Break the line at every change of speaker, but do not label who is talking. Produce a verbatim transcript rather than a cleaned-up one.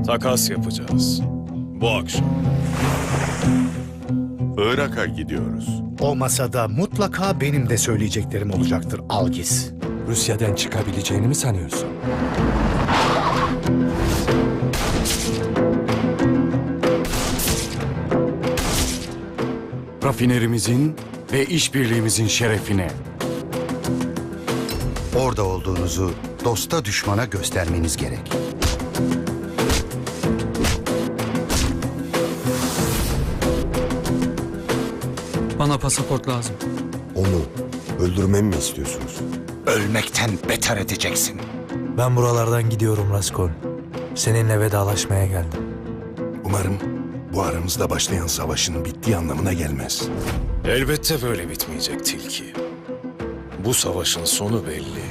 Takas yapacağız. Bu akşam.
Irak'a gidiyoruz.
O masada mutlaka benim de söyleyeceklerim olacaktır Algis.
Rusya'dan çıkabileceğini mi sanıyorsun? Rafinerimizin ve işbirliğimizin şerefine.
Orada olduğunuzu dosta düşmana göstermeniz gerek.
Bana pasaport lazım.
Onu öldürmemi mi istiyorsunuz?
Ölmekten beter edeceksin.
Ben buralardan gidiyorum Raskol. Seninle vedalaşmaya geldim.
Umarım bu aramızda başlayan savaşın bittiği anlamına gelmez.
Elbette böyle bitmeyecek Tilki. Bu savaşın sonu belli.